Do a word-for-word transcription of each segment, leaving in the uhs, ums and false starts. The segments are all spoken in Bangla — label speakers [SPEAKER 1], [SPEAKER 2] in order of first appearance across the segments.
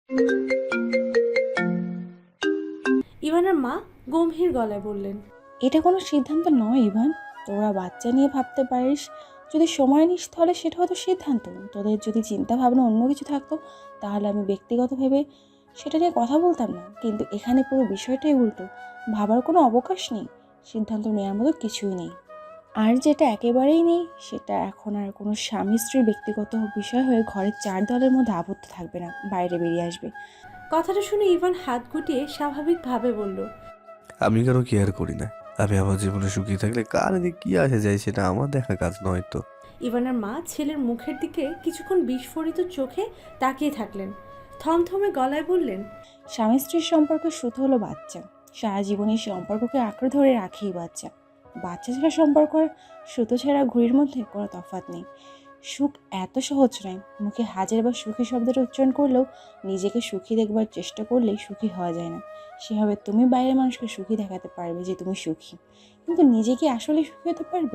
[SPEAKER 1] ইভানের মা গম্ভীর গলায় বললেন,
[SPEAKER 2] এটা কোনো সিদ্ধান্ত নয় ইভান। তোরা বাচ্চা নিয়ে ভাবতে পারিস, যদি সময় নিস তাহলে সেটা হয়তো সিদ্ধান্ত। তোদের যদি চিন্তা ভাবনা অন্য কিছু থাকতো তাহলে আমি ব্যক্তিগত ভেবে সেটা নিয়ে কথা বলতাম না, কিন্তু এখানে পুরো বিষয়টাই উল্টো। ভাবার কোনো অবকাশ নেই, সিদ্ধান্ত নেওয়ার মতো কিছুই নেই। আর যেটা একেবারেই নেই সেটা এখন আর কোনো স্বামী স্ত্রীর ব্যক্তিগত বিষয় হয়ে ঘরের চার দেওয়ালের মধ্যে আবদ্ধ থাকবে না, বাইরে বেরিয়ে আসবে।
[SPEAKER 1] কথাটা শুনে ইভান হাত গুটিয়ে স্বাভাবিকভাবে বলল,
[SPEAKER 3] আমি কারো কেয়ার করি না। আমি আমার জীবনে সুখী থাকলে কার যে কি আসে যায় সেটা আমার দেখা কাজ নয় তো।
[SPEAKER 1] ইভানের মা ছেলের মুখের দিকে কিছুক্ষণ বিস্ফোরিত চোখে তাকিয়ে থাকলেন, থমথমে গলায় বললেন,
[SPEAKER 2] স্বামী স্ত্রীর সম্পর্ক শুধু হলো বাচ্চা, সারা জীবনে এই সম্পর্ককে আঁকড়ে ধরে রাখেই বাচ্চা। বাচ্চা ছাড়া সম্পর্ক আর সুতো ছাড়া ঘুড়ির মধ্যে কোনো তফাৎ নেই। সুখ এত সহজ নয়। মুখে হাজার বার সুখী শব্দটা উচ্চারণ করলেও নিজেকে সুখী দেখবার চেষ্টা করলেই সুখী হওয়া যায় না। সেভাবে তুমি বাইরের মানুষকে সুখী দেখাতে পারবে যে তুমি সুখী, কিন্তু নিজে কি আসলে সুখী হতে পারবে?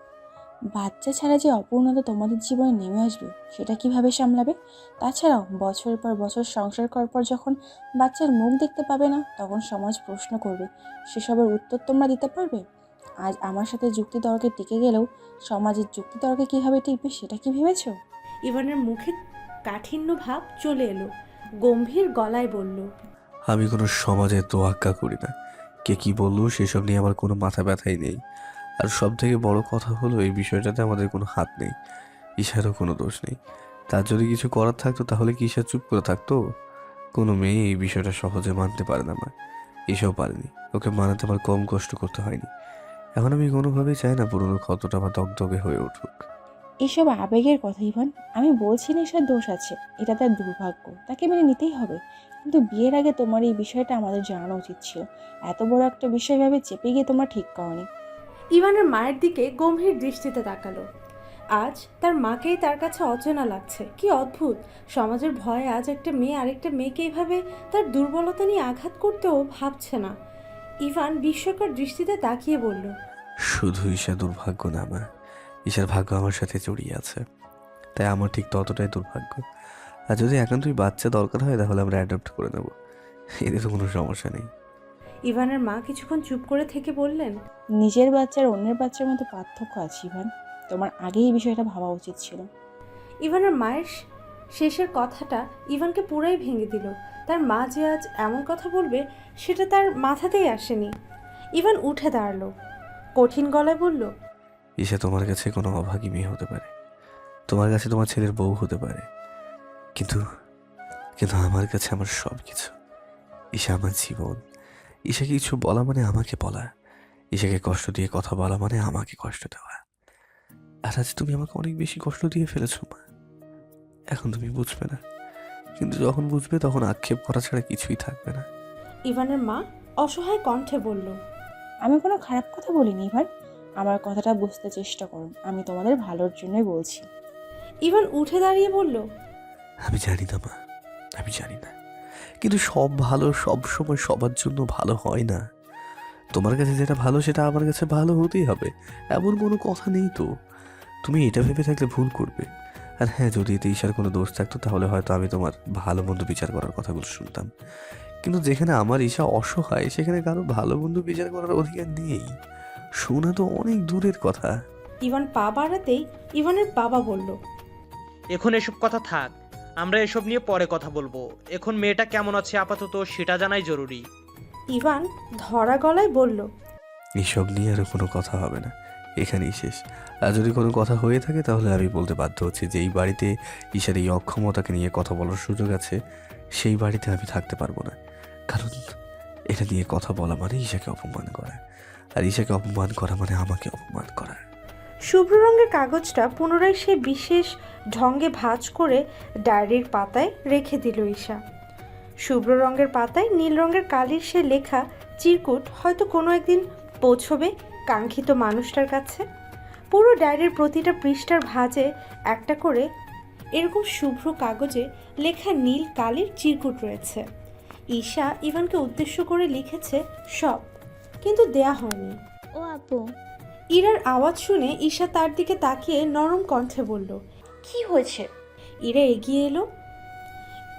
[SPEAKER 2] বাচ্চা ছাড়া যে অপূর্ণতা তোমাদের জীবনে নেমে আসবে সেটা কিভাবে সামলাবে? তাছাড়াও বছরের পর বছর সংসার করার পর যখন বাচ্চার মুখ দেখতে পাবে না তখন সমাজ প্রশ্ন করবে, সেসবের উত্তর তোমরা দিতে পারবে? আজ আমার সাথে যুক্তি তর্কে টিকে গেলেও সমাজের যুক্তি তর্কে কীভাবে টিকবে সেটা কি ভেবেছো?
[SPEAKER 1] ইভানের মুখে কাঠিন্য ভাব চলে এলো, গম্ভীর গলায় বলল,
[SPEAKER 3] আমি কোনো সমাজে তোয়াক্কা করি না। কে কি বললো সেসব নিয়ে আমার কোনো মাথা ব্যথাই নেই। আর সব থেকে বড় কথা হলো এই বিষয়টাতে আমাদের কোনো হাত নেই, ঈশারও কোনো দোষ নেই। তার যদি কিছু করার থাকতো তাহলে কি ঈশা চুপ করে থাকতো? কোনো মেয়ে এই বিষয়টা সহজে মানতে পারে না মা। এসব পারেনি, ওকে মানাতে আমার কম কষ্ট করতে হয়নি। এখন আমি কোনোভাবেই চাই না পুরোনো ক্ষতটা আমার দগদগে হয়ে উঠুক।
[SPEAKER 2] এসব আবেগের কথা ইভান, আমি বলছি না এসব দোষ আছে, এটা তার দুর্ভাগ্য, তাকে মেনে নিতেই হবে। কিন্তু বিয়ের আগে তোমার এই বিষয়টা আমাদের জানানো উচিত ছিল। এত বড় একটা বিষয় ভাবে চেপে গিয়ে তোমরা ঠিক করনি।
[SPEAKER 1] ইভানের মায়ের দিকে গম্ভীর দৃষ্টিতে তাকালো। আজ তার মাকেই তার কাছে অচেনা লাগছে। কি অদ্ভুত, সমাজের ভয়ে আজ একটা মেয়ে আরেকটা মেয়েকে এভাবে তার দুর্বলতা নিয়ে আঘাত করতেও ভাবছে না। ইভান বিস্ময়কর দৃষ্টিতে তাকিয়ে বলল,
[SPEAKER 3] শুধু ঈশা দুর্ভাগ্য না মা, ঈশার ভাগ্য আমার সাথে জড়িয়ে আছে, তাই আমার ঠিক ততটাই দুর্ভাগ্য। আর যদি একান্তই বাচ্চা দরকার হয় তাহলে আমরা অ্যাডপ্ট করে নেব, এতে তো কোনো সমস্যা নেই।
[SPEAKER 1] ইভানের মা কিছুক্ষণ চুপ করে থেকে বললেন,
[SPEAKER 2] নিজের বাচ্চার অন্যের বাচ্চার মধ্যে পার্থক্য আছে ইভান, তোমার আগেই এই বিষয়টা ভাবা উচিত ছিল।
[SPEAKER 1] ইভানের মায়ের শেষের কথাটা ইভানকে পুরাই ভেঙে দিল। তার মা যে আজ এমন কথা বলবে সেটা তার মাথাতেই আসেনি। ইভান উঠে দাঁড়ালো, কঠিন গলায় বলল,
[SPEAKER 3] ঈশা তোমার কাছে কোনো অভাগী মেয়ে হতে পারে, তোমার কাছে তোমার ছেলের বউ হতে পারে, কিন্তু কিন্তু আমার কাছে আমার সব কিছু। ঈশা আমার জীবন। ঈশাকে কিছু বলা মানে আমাকে বলা, ঈশাকে কষ্ট দিয়ে কথা বলা মানে আমাকে কষ্ট দেওয়া। আর আজ তুমি আমাকে অনেক বেশি কষ্ট দিয়ে ফেলেছো মা, এখন তুমি বুঝবে না, কিন্তু যখন বুঝবে তখন আক্ষেপ করা ছাড়া কিছুই থাকবে না।
[SPEAKER 1] ইভানের মা অসহায় কণ্ঠে বলল,
[SPEAKER 2] আমি কোনো খারাপ কথা বলিনি ইভান, আমার কথাটা বুঝতে চেষ্টা করুন, আমি তোমাদের ভালোর জন্যই বলছি।
[SPEAKER 1] ইভান উঠে দাঁড়িয়ে বলল,
[SPEAKER 3] আমি জানি না মা, আমি জানি না, কিন্তু সব ভালো সব সময় সবার জন্য ভালো হয় না। তোমার কাছে যেটা ভালো সেটা আমার কাছে ভালো হতেই হবে, এমন কোনো কথা নেই তো। তুমি এটা ভেবে থাকলে ভুল করবে। আর হ্যাঁ, যদি এতে ঈশার কোনো দোষ থাকতো তাহলে হয়তো আমি তোমার ভালো মন্দ বিচার করার কথাগুলো শুনতাম, কিন্তু যেখানে আমার ঈশা অসহায় সেখানে কারো ভালো মন্দ বিচার করার অধিকার নেই। শোনা তো অনেক দূরের কথা।
[SPEAKER 1] ইভান পা বাড়াতেই ইভানের বাবা বলল,
[SPEAKER 4] এখন এসব কথা থাক, আমরা এসব নিয়ে পরে কথা বলবো। এখন মেয়েটা কেমন আছে আপাতত সেটা জানাই জরুরি।
[SPEAKER 1] ইভান ধরা গলায় বলল,
[SPEAKER 3] এসব নিয়ে আর কোনো কথা হবে না, এখানেই শেষ। আর যদি কোনো কথা হয়ে থাকে তাহলে আমি বলতে বাধ্য হচ্ছি যে এই বাড়িতে ঈশার এই অক্ষমতাকে নিয়ে কথা বলার সুযোগ আছে, সেই বাড়িতে আমি থাকতে পারবো না। কারণ এটা নিয়ে কথা বলা মানে ঈশাকে অপমান করা, আর ঈশাকে অপমান করা মানে আমাকে অপমান করা।
[SPEAKER 1] শুভ্র রঙের কাগজটা পুনরায় সে বিশেষ ঢঙ্গে ভাঁজ করে ডায়েরির পাতায় রেখে দিল ঈশা। শুভ্র রঙের পাতায় নীল রঙের কালির সে লেখা চিরকুট হয়তো কোনো একদিন পৌঁছবে কাঙ্ক্ষিত মানুষটার কাছে। পুরো ডায়েরির প্রতিটা পৃষ্ঠার ভাঁজে একটা করে এরকম শুভ্র কাগজে লেখা নীল কালির চিরকুট রয়েছে। ঈশা ইভানকে উদ্দেশ্য করে লিখেছে সব, কিন্তু দেয়া হয়নি।
[SPEAKER 5] ও আপু,
[SPEAKER 1] ইরার আওয়াজ শুনে ঈশা তার দিকে তাকিয়ে নরম কণ্ঠে বলল,
[SPEAKER 5] কি হয়েছে?
[SPEAKER 1] ইরা এগিয়ে এলো।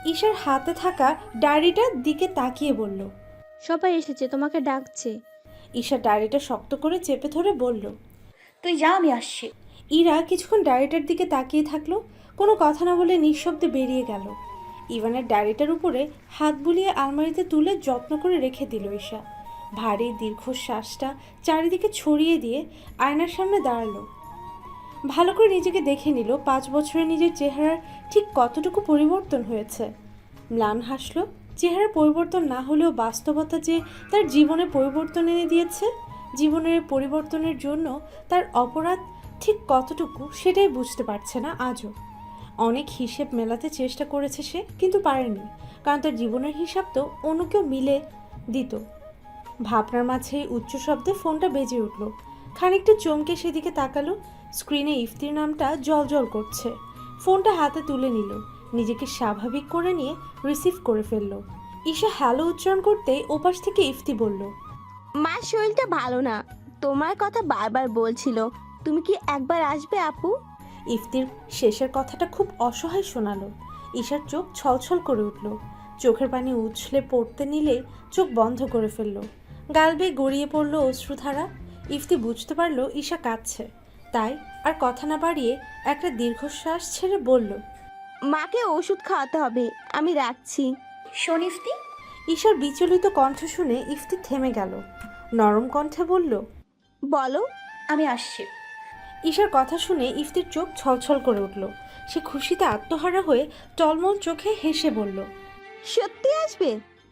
[SPEAKER 1] ঈশার হাতে থাকা ডায়েরিটার দিকে তাকিয়ে বলল।
[SPEAKER 5] সবাই এসেছে, তোমাকে ডাকছে।
[SPEAKER 1] ঈশা ডায়েরিটা শক্ত করে চেপে ধরে বলল।
[SPEAKER 6] তুই যা, আমি আসছি।
[SPEAKER 1] ইরা কিছুক্ষণ ডায়েরিটার দিকে তাকিয়ে থাকলো, কোনো কথা না বলে নিঃশব্দে বেরিয়ে গেল। ইভানের ডায়েরিটার উপরে হাত বুলিয়ে আলমারিতে তুলে যত্ন করে রেখে দিল ঈশা। ভারী দীর্ঘশ্বাসটা চারিদিকে ছড়িয়ে দিয়ে আয়নার সামনে দাঁড়ালো। ভালো করে নিজেকে দেখে নিল পাঁচ বছরে নিজের চেহারার ঠিক কতটুকু পরিবর্তন হয়েছে। ম্লান হাসলো। চেহারা পরিবর্তন না হলেও বাস্তবতা যে তার জীবনে পরিবর্তন এনে দিয়েছে, জীবনের পরিবর্তনের জন্য তার অপরাধ ঠিক কতটুকু সেটাই বুঝতে পারছে না আজও। অনেক হিসেব মেলাতে চেষ্টা করেছে সে, কিন্তু পারেনি, কারণ তার জীবনের হিসাব তো অন্য কেউ মিলে দিত। ভাবনার মাঝে উচ্চ শব্দে ফোনটা বেজে উঠল। খানিকটা চমকে সেদিকে তাকালো। স্ক্রিনে ইফতির নামটা জলজল করছে। ফোনটা হাতে তুলে নিল, নিজেকে স্বাভাবিক করে নিয়ে রিসিভ করে ফেলল। ঈশা হ্যালো উচ্চারণ করতেই ওপাশ থেকে ইফতি বলল।
[SPEAKER 5] মার শরীরটা ভালো না, তোমার কথা বারবার বলছিল, তুমি কি একবার আসবে আপু?
[SPEAKER 1] ইফতির শেষের কথাটা খুব অসহায় শোনালো। ঈশার চোখ ছলছল করে উঠল। চোখের পানি উছলে পড়তে নিলে চোখ বন্ধ করে ফেলল। গাল বেয়ে গড়িয়ে পড়ল অশ্রুধারা। ইফতি বুঝতে পারল ঈশা কাঁদছে, তাই আর কথা না বাড়িয়ে একটা দীর্ঘশ্বাস ছেড়ে বলল।
[SPEAKER 5] মাকে ওষুধ খাওয়াতে হবে, আমি রাখছি।
[SPEAKER 6] শোন ইফতি।
[SPEAKER 1] ঈশার বিচলিত কণ্ঠ শুনে ইফতি থেমে গেল। নরম কণ্ঠে বলল।
[SPEAKER 5] বলো।
[SPEAKER 6] আমি আসছি।
[SPEAKER 1] ঈশার কথা শুনে ইফতির চোখ ছলছল করে উঠল। সে খুশিতে আত্মহারা হয়ে টলমল চোখে হেসে বলল।
[SPEAKER 5] সত্যি আসবে?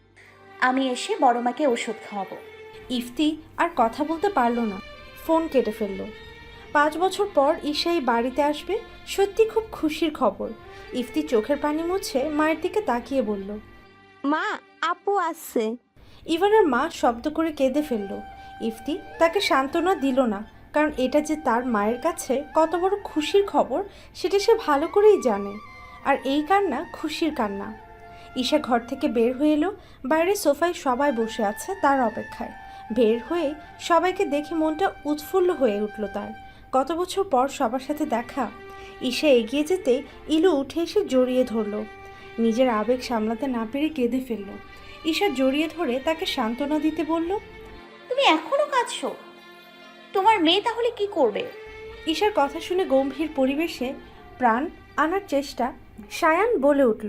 [SPEAKER 6] আমি এসে বড় মাকে ওষুধ খাওয়াবো।
[SPEAKER 1] ইফতি আর কথা বলতে পারল না, ফোন কেটে ফেলল। পাঁচ বছর পর ঈশা এই বাড়িতে আসবে, সত্যি খুব খুশির খবর। ইফতি চোখের পানি মুছে মায়ের দিকে তাকিয়ে বলল।
[SPEAKER 5] মা, আপু আসছে।
[SPEAKER 1] ইভানের মা শব্দ করে কেঁদে ফেলল। ইফতি তাকে সান্ত্বনা দিল না, কারণ এটা যে তার মায়ের কাছে কত বড় খুশির খবর সেটা সে ভালো করেই জানে। আর এই কান্না খুশির কান্না। ঈশা ঘর থেকে বের হয়ে এলো। বাইরে সোফায় সবাই বসে আছে তার অপেক্ষায়। বের হয়ে সবাইকে দেখে মনটা উৎফুল্ল হয়ে উঠল তার। কত বছর পর সবার সাথে দেখা। ঈশা এগিয়ে যেতে ইলু উঠে এসে জড়িয়ে ধরল। নিজের আবেগ সামলাতে না পেরে কেঁদে ফেলল। ঈশা জড়িয়ে ধরে তাকে সান্ত্বনা দিতে বলল।
[SPEAKER 6] তুমি এখনো কাঁদছো? তোমার মেয়ে তাহলে কি করবে?
[SPEAKER 1] ঈশার কথা শুনে গম্ভীর পরিবেশে প্রাণ আনার চেষ্টা সায়ান বলে উঠল।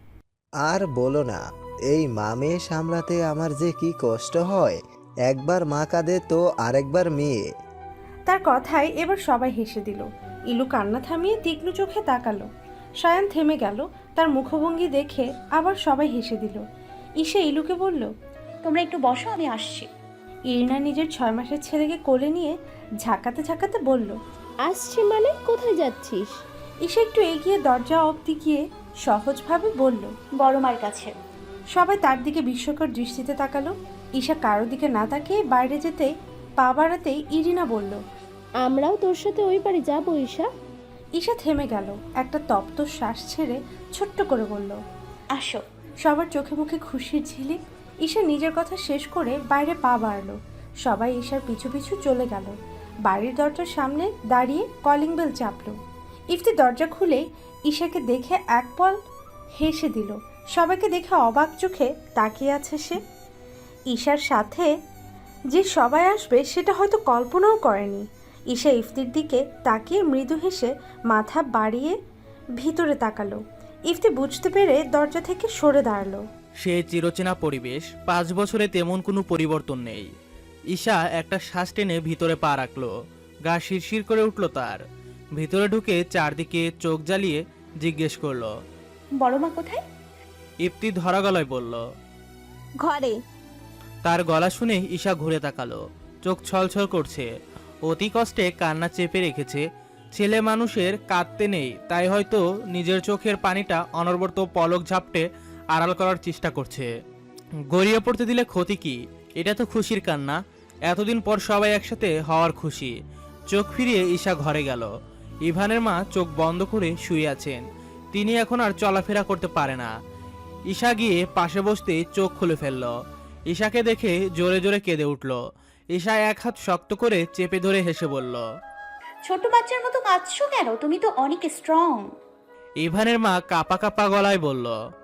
[SPEAKER 7] আর বলো না, এই মা মেয়ে সামলাতে আমার যে কি কষ্ট হয়। একবার মা কাঁদে তো আরেকবার মেয়ে।
[SPEAKER 1] তার কথায় এবার সবাই হেসে দিল। ইলু কান্না থামিয়ে তীক্ষ্ণ চোখে তাকালো। সায়ান থেমে গেল। তার মুখভঙ্গি দেখে আবার সবাই হেসে দিল। ঈশা ইলুকে বলল।
[SPEAKER 6] তোমরা একটু বসো, আমি আসছি।
[SPEAKER 1] ইরিনা নিজের ছয় মাসের ছেলেকে কোলে নিয়ে ঝাঁকাতে ঝাঁকাতে বলল।
[SPEAKER 5] আসছে মানে? কোথায় যাচ্ছিস?
[SPEAKER 1] ঈশা একটু এগিয়ে দরজা অবধি গিয়ে সহজভাবে বলল।
[SPEAKER 6] বড় মার কাছে।
[SPEAKER 1] সবাই তার দিকে বিস্ময়কর দৃষ্টিতে তাকালো। ঈশা কারো দিকে না তাকিয়ে বাইরে যেতে পা বাড়াতেই ইরিনা বলল।
[SPEAKER 5] আমরাও তোর সাথে ওই বাড়ি যাবো ঈশা।
[SPEAKER 1] ঈশা থেমে গেল, একটা তপ্ত শ্বাস ছেড়ে ছোট্ট করে বলল।
[SPEAKER 6] আসো।
[SPEAKER 1] সবার চোখে মুখে খুশির ঝিলিক। ঈশা নিজের কথা শেষ করে বাইরে পা বাড়ল। সবাই ঈশার পিছু পিছু চলে গেল। বাড়ির দরজার সামনে দাঁড়িয়ে কলিং বেল চাপল। ইফতি দরজা খুলেই ঈশাকে দেখে এক পল হেসে দিল। সবাইকে দেখে অবাক চোখে তাকিয়ে আছে সে। ঈশার সাথে যে সবাই আসবে সেটা হয়তো কল্পনাও করেনি। ঈশা ইফতির দিকে তাকিয়ে মৃদু হেসে মাথা বাড়িয়ে ভিতরে তাকালো। ইফতি বুঝতে পেরে দরজা থেকে সরে দাঁড়ালো।
[SPEAKER 8] সে চিরচেনা পরিবেশ, পাঁচ বছরে তেমন কোনো পরিবর্তন নেই। ঈশা একটা শ্বাস টেনে ভিতরে পা রাখলো। গা শিরশির করে উঠল তার। ভিতরে ঢুকে চারদিকে চোখ জ্বালিয়ে জিজ্ঞেস করলো।
[SPEAKER 6] বড় মা কোথায়?
[SPEAKER 8] ইফতি ধরা গলায় বলল।
[SPEAKER 5] ঘরে।
[SPEAKER 8] তার গলা শুনে ঈশা ঘুরে তাকালো। চোখ ছলছল করছে। অতি কষ্টে কান্না চেপে রেখেছে। ছেলে মানুষের কাঁদতে নেই, তাই হয়তো নিজের চোখের পানিটা অনবরত পলক ঝাপটে আড়াল করার চেষ্টা করছে। গড়িয়ে পড়তে দিলে ক্ষতি কি? এটা তো খুশির কান্না। এতদিন পর সবাই একসাথে হওয়ার খুশি। চোখ ফিরিয়ে ঈশা ঘরে গেল। ইভানের মা চোখ বন্ধ করে শুয়ে আছেন। তিনি এখন আর চলাফেরা করতে পারে না। ঈশা গিয়ে পাশে বসতে চোখ খুলে ফেলল। ঈশাকে দেখে জোরে জোরে কেঁদে উঠল। ঈশা এক হাত শক্ত করে চেপে ধরে হেসে বলল।
[SPEAKER 6] ছোট বাচ্চার মতো কাঁদছো কেন? তুমি তো অনেক স্ট্রং।
[SPEAKER 8] ইভানের মা কাপা কাপা গলায় বলল।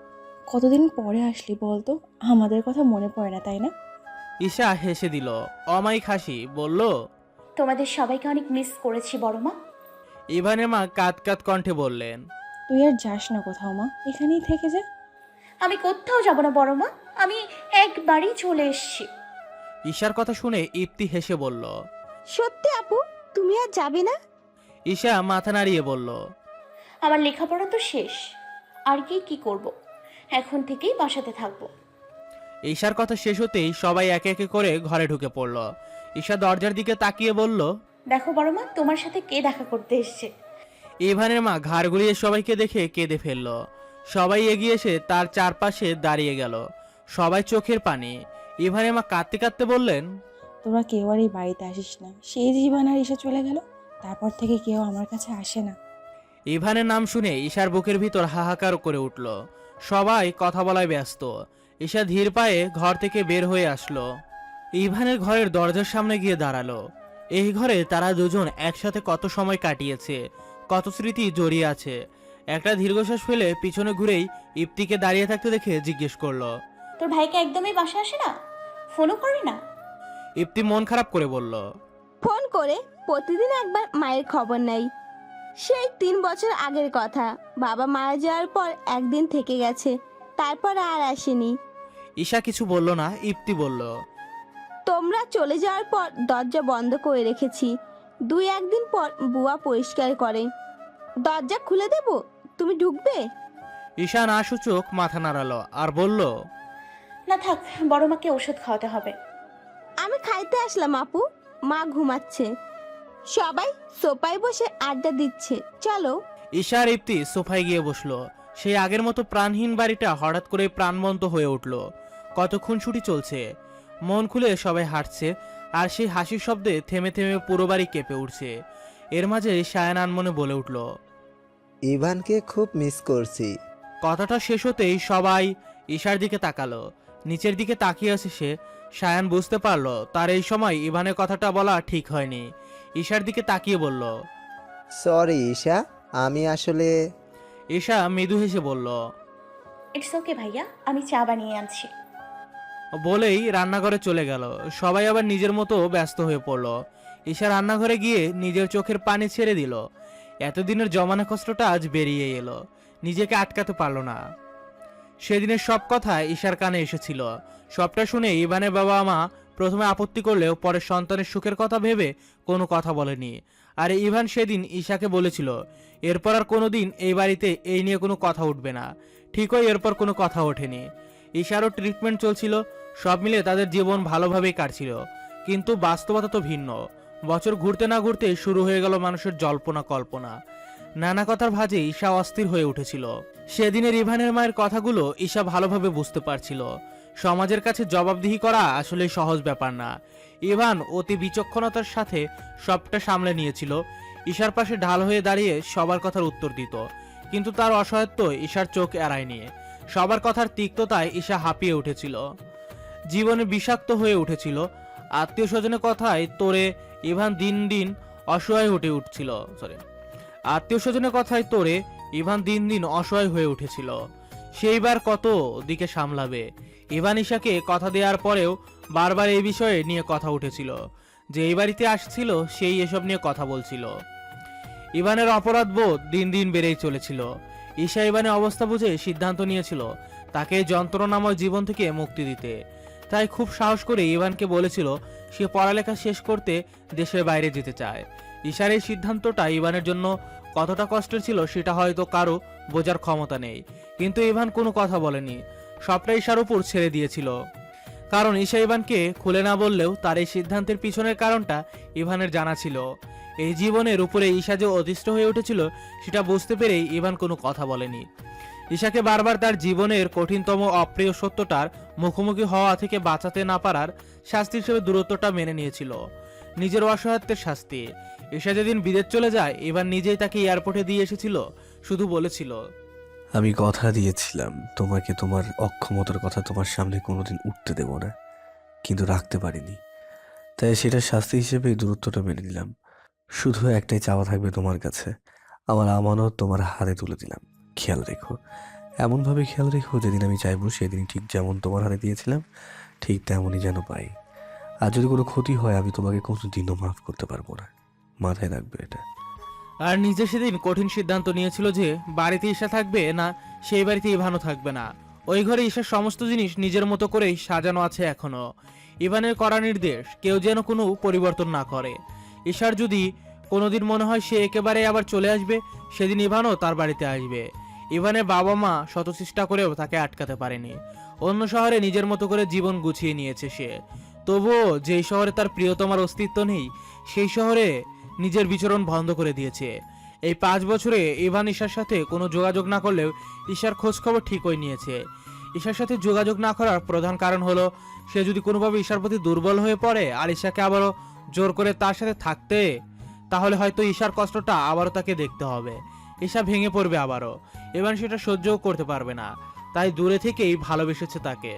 [SPEAKER 2] কতদিন পরে আসলি বলতো, আমাদের কথা মনে পড়ে না তাই না?
[SPEAKER 8] ঈশা হেসে দিল। অমায়িক হাসি বলল,
[SPEAKER 6] তোমাদের সবাইকে অনেক মিস করেছি বড় মা।
[SPEAKER 8] ইভানের মা কাঁদ কাঁদ কণ্ঠে বললেন,
[SPEAKER 2] তুই আর যাস না কোথাও মা, এখানেই থেকে যা।
[SPEAKER 6] আমি কোথাও যাব না বড় মা, আমি একবারই চলে এসেছি।
[SPEAKER 8] ঈশার কথা শুনে ইপ্তি হেসে বলল।
[SPEAKER 5] সত্যি আপু, তুমি আর যাবে না?
[SPEAKER 8] ঈশা মাথা নাড়িয়ে বলল,
[SPEAKER 6] আমার লেখাপড়া তো শেষ, আর কি কি করব, এখন থেকেই বাসাতে থাকবো।
[SPEAKER 8] ঈশার কথা শেষ হতেই সবাই একে একে করে ঘরে ঢুকে পড়ল। ঈশা দরজার দিকে তাকিয়ে বলল,
[SPEAKER 6] দেখো বড় মা, তোমার সাথে কে দেখা করতে এসেছে।
[SPEAKER 8] ইভানের মা ঘাড় ঘুরিয়ে সবাইকে দেখে কেঁদে ফেলল। সবাই এগিয়ে এসে তার চারপাশে দাঁড়িয়ে গেল। সবাই চোখের পানি। ইভানের মা কাঁদতে কাঁদতে বললেন,
[SPEAKER 2] তোরা কেউ আর এই বাড়িতে আসিস না, সেই জীবন আর এসে চলে গেল, তারপর থেকে কেউ আমার কাছে আসে না।
[SPEAKER 8] ইভানের নাম শুনে ঈশার বুকের ভিতর হাহাকার করে উঠল। সবাই কথা বলায় ব্যস্ত। ঈশা ধীর পায়ে ঘর থেকে বের হয়ে আসলো। ইভানের ঘরের দরজার সামনে গিয়ে দাঁড়ালো। এই ঘরে তারা দুজন একসাথে কত সময় কাটিয়েছে, কত স্মৃতি জড়িয়ে আছে। একটা দীর্ঘশ্বাস ফেলে পিছনে ঘুরেই ইপ্তিকে দাঁড়িয়ে থাকতে দেখে জিজ্ঞেস করলো,
[SPEAKER 6] তোর ভাইকে একদমই বাসা আসে না, ফোনও করে না?
[SPEAKER 8] ইপ্তি মন খারাপ করে বলল,
[SPEAKER 5] ফোন করে প্রতিদিন একবার মায়ের খবর নেই। সেই তিন বছর আগের কথা, বাবা মারা যাওয়ার পর একদিন থেকে গেছে, তারপর আর আসেনি।
[SPEAKER 8] ঈশা কিছু বলল না। ইপ্তি বলল,
[SPEAKER 5] তোমরা চলে যাওয়ার পর দরজা বন্ধ করে রেখেছি। দুই একদিন পর বুয়া পরিষ্কার করে। দরজা খুলে দেব, তুমি ঢুকবে?
[SPEAKER 8] ঈশা না সূচক মাথা নাড়ালো আর বলল,
[SPEAKER 6] না থাক, বড় মাকে ওষুধ খাওয়াতে হবে।
[SPEAKER 5] আমি খাইতে আসলাম আপু, মা ঘুমাচ্ছে, সবাই সোফায় বসে আড্ডা দিচ্ছে, চলো।
[SPEAKER 8] ঈশা আর ইপ্তি সোফায় গিয়ে বসলো। সেই আগের মতো প্রাণহীন বাড়িটা হঠাৎ করে প্রাণবন্ত হয়ে উঠল। কতক্ষণ ছুটি চলছে, মন খুলে সবাই হাঁটছে, আর সেই হাসির শব্দে থেমে থেমে পুরো বাড়ি কেঁপে উঠছে। এর মাঝে সায়ান আনমনে বলে উঠল,
[SPEAKER 7] ইভানকে খুব মিস করছি।
[SPEAKER 8] কথাটা শেষ হতেই সবাই ঈশার দিকে তাকালো। নিচের দিকে তাকিয়ে আছে সে। সায়ান বুঝতে পারলো তার এই সময় ইভানের কথাটা বলা ঠিক হয়নি। ঈশার দিকে তাকিয়ে বলল,
[SPEAKER 7] সরি ঈশা, আমি আসলে
[SPEAKER 8] ঈশা মৃদু হেসে বলল,
[SPEAKER 6] ইটস ওকে ভাইয়া, আমি চা বানিয়ে আনছি।
[SPEAKER 8] বলেই রান্নাঘরে চলে গেল। সবাই আবার নিজের মতো ব্যস্ত হয়ে পড়ল। ঈশা রান্নাঘরে গিয়ে নিজের চোখের পানি ছেড়ে দিল। এতদিনের জমানো কষ্টটা আজ বেরিয়ে এলো, নিজেকে আটকাতে পারল না। সেদিনের সব কথা ঈশার কানে এসেছিল। সবটা শুনে ইভানের বাবা মা প্রথমে আপত্তি করলেও পরে সন্তানের সুখের কথা ভেবে কোনো কথা বলেনি। আর ইভান সেদিন ঈশাকে বলেছিল এরপর আর কোনোদিন এই বাড়িতে এই নিয়ে কোনো কথা উঠবে না। ঠিকই এরপর কোনো কথা ওঠেনি। ঈশারও ট্রিটমেন্ট চলছিল, সব মিলে তাদের জীবন ভালোভাবেই কাটছিল। কিন্তু বাস্তবতা তো ভিন্ন। বছর ঘুরতে না ঘুরতে শুরু হয়ে গেল মানুষের জল্পনা কল্পনা। নানা কথার ভাঁজে ঈশা অস্থির হয়ে উঠেছিল। সেদিনের ইভানের মায়ের কথাগুলো ঈশা ভালোভাবে বুঝতে পারছিল। সমাজের কাছে জবাবদিহি করা আসলে সহজ ব্যাপার না। ইভান অতি বিচক্ষণতার সাথে সবটা সামলে নিয়েছিল। ঈশার পাশে ঢাল হয়ে দাঁড়িয়ে সবার কথার উত্তর দিত, কিন্তু তার অসহায়ত্ব ঈশার চোখ এড়ায়নি। সবার কথার তিক্ততায় ঈশা হাঁপিয়ে উঠেছিল, জীবনে বিষাক্ত হয়ে উঠেছিল। আত্মীয় স্বজনের কথায় তোরে ইভান দিন দিন অসহায় হয়ে উঠছিল সরি আত্মীয় স্বজনের কথায় তোরে ইভান দিন দিন অসহায় হয়ে উঠেছিল। সেইবার কত দিকে সামলাবে। ইভান ঈশাকে কথা দেওয়ার পরেও বারবার এই বিষয়ে নিয়ে কথা উঠেছিল। যে এই বাড়িতে আসছিল সেই এসব নিয়ে কথা বলছিল। ইভানের অপরাধ বোধ দিন দিন বেড়েই চলেছিল। ঈশা ইভানের অবস্থা বুঝে সিদ্ধান্ত নিয়েছিল তাকে যন্ত্রণাময় জীবন থেকে মুক্তি দিতে। তাই খুব সাহস করে ইভানকে বলেছিল সে পড়ালেখা শেষ করতে দেশের বাইরে যেতে চায়। ঈশার এই সিদ্ধান্তটা ইভানের জন্য কতটা কষ্টের ছিল সেটা হয়তো কারো বোঝার ক্ষমতা নেই, কিন্তু ইভান কোনো কথা বলেনি, সবটা ঈশার উপর ছেড়ে দিয়েছিল। কারণ ঈশা ইভানকে খুলে না বললেও তার এই সিদ্ধান্তের পিছনের কারণটা ইভানের জানা ছিল। এই জীবনের উপরে ঈশা যে অতিষ্ঠ হয়ে উঠেছিল সেটা বুঝতে পেরেই ইভান কোনো কথা বলেনি। ঈশাকে বারবার তার জীবনের কঠিনতম অপ্রিয় সত্যটার মুখোমুখি হওয়া থেকে বাঁচাতে না পারার শাস্তি হিসেবে দূরত্বটা মেনে নিয়েছিল, নিজের অসহায়ত্বের শাস্তি। ঈশা যেদিন বিদেশ চলে যায় ইভান নিজেই তাকে এয়ারপোর্টে দিয়ে এসেছিল, শুধু বলেছিল,
[SPEAKER 3] আমি কথা দিয়েছিলাম তোমাকে তোমার অক্ষমতার কথা তোমার সামনে কোনোদিন উঠতে দেব না, কিন্তু রাখতে পারিনি, তাই সেটা শাস্তি হিসেবে এই দূরত্বটা মেনে নিলাম। শুধু একটাই চাওয়া থাকবে তোমার কাছে, আমার আমানত তোমার হাতে তুলে দিলাম, খেয়াল রেখো এমনভাবে খেয়াল রেখো যেদিন আমি চাইবো সেদিন ঠিক যেমন তোমার হাতে দিয়েছিলাম ঠিক তেমনই যেন পাই। আর যদি কোনো ক্ষতি হয় আমি তোমাকে কোনো দিনও মাফ করতে পারবো না, মাথায় রাখবে এটা।
[SPEAKER 8] আর নিজে সেদিন কঠিন সিদ্ধান্ত নিয়েছিল যে বাড়িতে ঈশা থাকবে না, সেই বাড়িতে ইভানও থাকবে না। ওই ঘরে ঈশার সমস্ত জিনিস নিজের মতো করেই সাজানো আছে এখনো। ইভানের কড়া নির্দেশ কেউ যেন কোনো পরিবর্তন না করে। ঈশার যদি কোনোদিন মনে হয় সে একেবারে আবার চলে আসবে, সেদিন ইভানও তার বাড়িতে আসবে। ইভানের বাবা মা শত চেষ্টা করেও তাকে আটকাতে পারেনি। অন্য শহরে নিজের মতো করে জীবন গুছিয়ে নিয়েছে সে। তবুও যেই শহরে তার প্রিয়তমার অস্তিত্ব নেই, সেই শহরে নিজের বিচরণ বন্ধ করে দিয়েছে। এই পাঁচ বছরে ইভান ঈশার সাথে কোনো যোগাযোগ না করলেও ঈশার খোঁজ খবর ঠিকই নিয়েছে। ঈশার সাথে যোগাযোগ না করার প্রধান কারণ হলো সে যদি কোনোভাবে ঈশার প্রতি দুর্বল হয়ে পড়ে আর ঈশাকে আবারও জোর করে তার সাথে থাকতে, তাহলে হয়তো ঈশার কষ্টটা আবারও তাকে দেখতে হবে। ঈশা ভেঙে পড়বে আবারও, ইভান সেটা সহ্যও করতে পারবে না। তাই দূরে থেকেই ভালোবেসেছে তাকে।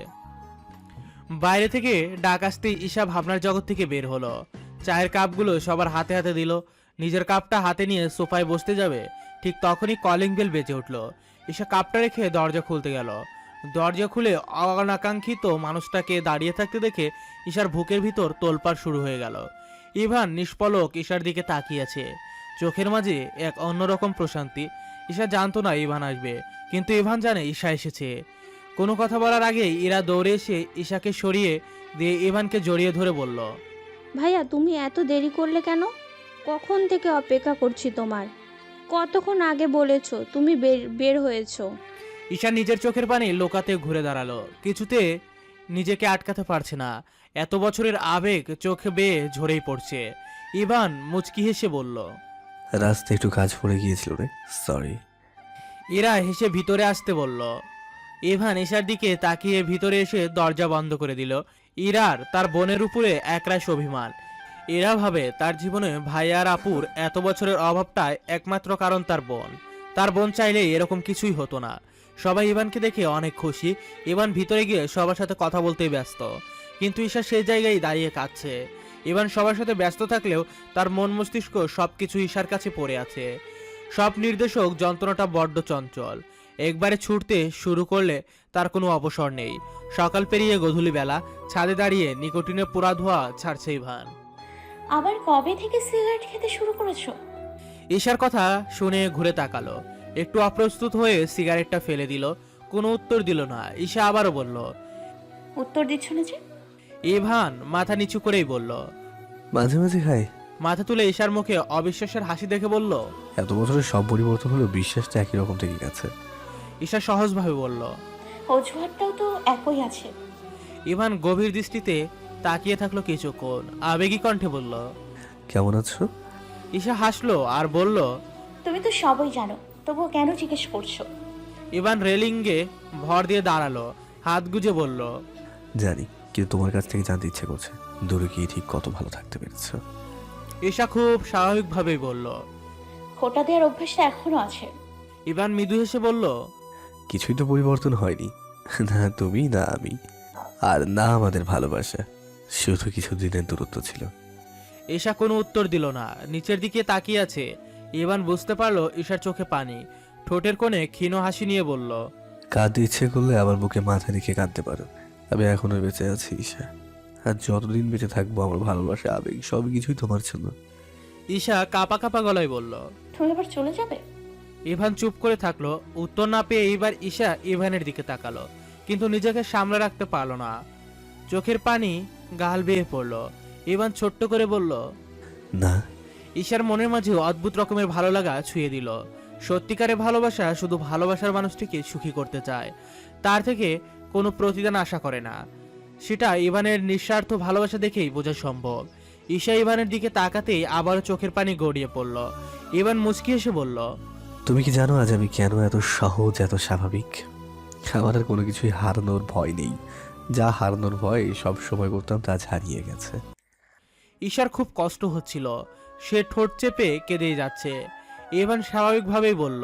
[SPEAKER 8] বাইরে থেকে ডাক আসতেই ঈশা ভাবনার জগৎ থেকে বের হলো। চায়ের কাপগুলো সবার হাতে হাতে দিল। নিজের কাপটা হাতে নিয়ে সোফায় বসতে যাবে, ঠিক তখনই কলিং বেল বেজে উঠল। ঈশা কাপটা রেখে দরজা খুলতে গেল। দরজা খুলে অনাকাঙ্ক্ষিত মানুষটাকে দাঁড়িয়ে থাকতে দেখে ঈশার বুকের ভিতর তোলপাড় শুরু হয়ে গেল। ইভান নিষ্পলক ঈশার দিকে তাকিয়েছে, চোখের মাঝে এক অন্যরকম প্রশান্তি। ঈশা জানতো না ইভান আসবে, কিন্তু ইভান জানে ঈশা এসেছে। কোনো কথা বলার আগেই ইরা দৌড়ে এসে ঈশাকে সরিয়ে দিয়ে ইভানকে জড়িয়ে ধরে বলল,
[SPEAKER 9] ভাইয়া তুমি এত দেরি করলে কেন? কখন থেকে অপেক্ষা করছি তোমার। কতক্ষণ আগে বলেছো তুমি বের বের হয়েছো।
[SPEAKER 8] ঈশা নিজের চোখের পানি লোকাতে ঘুরে দাঁড়ালো, কিছুতে নিজেকে আটকাতে পারছে না। এত বছরের আবেগ চোখে বেয়ে ঝরেই পড়ছে। ইভান মুচকি হেসে বলল,
[SPEAKER 3] রাস্তায় একটু কাজ পড়ে গিয়েছিল রে, সরি।
[SPEAKER 8] ইরা হেসে ভিতরে আসতে বলল। ইভান ঈশার দিকে তাকিয়ে ভিতরে এসে দরজা বন্ধ করে দিল। ইরার তার বোনের উপরে একরাশ অভিমান। এরা ভাবে তার জীবনে ভাই আর আপুর এত বছরের অভাবটাই একমাত্র কারণ তার বোন। তার বোন চাইলেই এরকম কিছুই হতো না। সবাই ইভানকে দেখে অনেক খুশি। ইভান ভিতরে গিয়ে সবার সাথে কথা বলতেই ব্যস্ত, কিন্তু ঈশা সেই জায়গায় দাঁড়িয়ে কাঁদছে। ইভান সবার সাথে ব্যস্ত থাকলেও তার মন মস্তিষ্ক সবকিছু ঈশার কাছে পড়ে আছে। সব নির্দেশক যন্ত্রণাটা বড্ড চঞ্চল, একবারে ছুটতে শুরু করলে তার কোনো অবসর নেই। সকাল পেরিয়ে গধূলি বেলা ছাদে দাঁড়িয়ে নিকোটিনে পোড়া ধোয়া ছাড়ছে ইভান।
[SPEAKER 6] আবার কবে থেকে সিগারেট খেতে শুরু করেছো?
[SPEAKER 8] ঈশার কথা শুনে ঘুরে তাকালো, একটু অপ্রস্তুত হয়ে সিগারেটটা ফেলে দিল। কোনো উত্তর দিল না। ঈশা আবারও বলল,
[SPEAKER 6] উত্তর দিচ্ছ না যে?
[SPEAKER 8] ইভান মাথা নিচু করেই বলল,
[SPEAKER 3] মাঝে মাঝে খাই।
[SPEAKER 8] মাথা তুলে ঈশার মুখে অবিশ্বাসের হাসি দেখে বলল,
[SPEAKER 3] এত বছরের সব পরিবর্তন হলেও বিশ্বাসটা একই রকম থেকে গেছে।
[SPEAKER 8] ঈশা সহজভাবে বলল।
[SPEAKER 6] অজুহাতটাও তো একই আছে।
[SPEAKER 8] ইভান গভীর দৃষ্টিতে তাকিয়ে থাকলো কিছুক্ষণ, আবেগী কণ্ঠে বলল,
[SPEAKER 3] কেমন আছো?
[SPEAKER 8] ঈশা হাসলো আর বলল,
[SPEAKER 6] তুমি তো সবই জানো, তবুও কেন জিজ্ঞেস করছো?
[SPEAKER 8] ইভান রেলিংয়ে ভর দিয়ে দাঁড়ালো, হাত গুজে বলল,
[SPEAKER 3] জানি, কিন্তু তোমার কাছ থেকে জানতে ইচ্ছে করছে দূরে গিয়ে ঠিক কত ভালো থাকতে পেরেছ।
[SPEAKER 8] ঈশা খুব স্বাভাবিকভাবেই বলল,
[SPEAKER 6] খোটা দেওয়ার অভ্যাসটা এখনো আছে।
[SPEAKER 8] ইভান মৃদু হেসে বলল,
[SPEAKER 3] কিছুই তো পরিবর্তন হয়নি, না তুমি না আমি আর না আমাদের ভালোবাসা, শুধু কিছু দিনের দূরত্ব ছিল।
[SPEAKER 8] ঈশা কোনো উত্তর দিল না, নিচের দিকে তাকিয়ে আছে। ইভান বুঝতে পারলো ঈশার চোখে পানি, ঠোঁটের কোণে ক্ষীণ হাসি নিয়ে বলল,
[SPEAKER 3] কাঁদতে ইচ্ছে করলে আমার বুকে মাথা রেখে কাঁদতে পারো, আমি এখনো বেঁচে আছি ঈশা, আর যতদিন বেঁচে থাকবো আমার ভালোবাসা আবেগ সব কিছুই তোমার জন্য।
[SPEAKER 8] ঈশা কাঁপা কাঁপা গলায় বলল।
[SPEAKER 6] তুমি এবার চলে যাবে?
[SPEAKER 8] ইভান চুপ করে থাকলো। উত্তর না পেয়ে এইবার ঈশা ইভানের দিকে তাকালো, কিন্তু নিজেকে সামলে রাখতে পারলো না। চোখের পানি গাল বেয়ে পড়লো। ইভান ছোট্ট করে বলল,
[SPEAKER 3] না।
[SPEAKER 8] ঈশার মনের মাঝে অদ্ভুত রকমের ভালো লাগা ছুঁয়ে দিল। সত্যিকারের ভালোবাসা শুধু ভালোবাসার মানুষটিকে সুখী করতে চায়, তার থেকে কোনো প্রতিদান আশা করে না। সেটা ইভানের নিঃস্বার্থ ভালোবাসা দেখেই বোঝা সম্ভব। ঈশা ইভানের দিকে তাকাতেই আবারও চোখের পানি গড়িয়ে পড়ল। ইভান মুচকি এসে বলল,
[SPEAKER 3] তুমি কি জানো আজ আমি কেন এত সহজ, এত স্বাভাবিক? আমার আর কোনো কিছুই হারানোর ভয় নেই। যা হারানোর ভয় সব সময় করতাম তা আজ হারিয়ে গেছে।
[SPEAKER 8] ঈশার খুব কষ্ট হচ্ছিল, সে ঠোঁট চেপে কেঁদেই যাচ্ছে। ইভান স্বাভাবিকভাবেই বলল,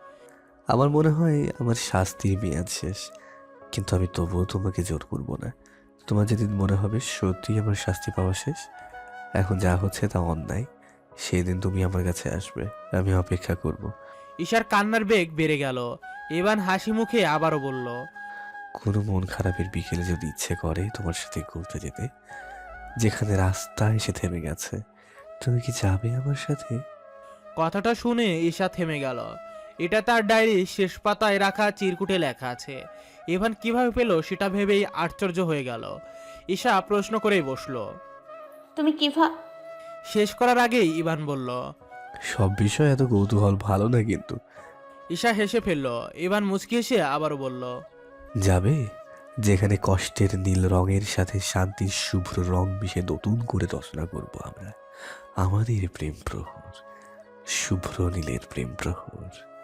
[SPEAKER 3] আমার মনে হয় আমার শাস্তির মেয়াদ শেষ, কিন্তু আমি তবুও তোমাকে জোর করবো না। তোমার যেদিন মনে হবে সত্যি আমার শাস্তি পাওয়া শেষ, এখন যা হচ্ছে তা অন্যায়, সেই দিন তুমি আমার কাছে আসবে, আমি অপেক্ষা করব।
[SPEAKER 8] ঈশার কান্নার বেগ বেড়ে গেল। ইভান হাসি মুখে আবারও বলল,
[SPEAKER 3] কোনো মন খারাপের বিকেলে যদি ইচ্ছে করে তোমার সাথে ঘুরতে যেতে, যেখানে রাস্তা এসে থেমে গেছে, তুমি কি যাবে আমার সাথে?
[SPEAKER 8] কথাটা শুনে ঈশা থেমে গেল। এটা তার ডায়েরির শেষ পাতায় রাখা চিরকুটে লেখা আছে। ইভান কিভাবে পেল সেটা ভেবেই আশ্চর্য হয়ে গেল। ঈশা প্রশ্ন করেই বসলো।
[SPEAKER 6] তুমি কিভা
[SPEAKER 8] শেষ করার আগেই ইভান বলল,
[SPEAKER 3] সব বিষয় এত কৌতূহল ভালো না কিন্তু।
[SPEAKER 8] ঈশা হেসে ফেলল। ইভান মুচকি হেসে আবারও বলল,
[SPEAKER 3] যাবে যেখানে কষ্টের নীল রঙের সাথে শান্তির শুভ্র রং মিশে নতুন করে রচনা করব আমরা আমাদের প্রেম প্রহর, শুভ্র নীলের প্রেম প্রহর।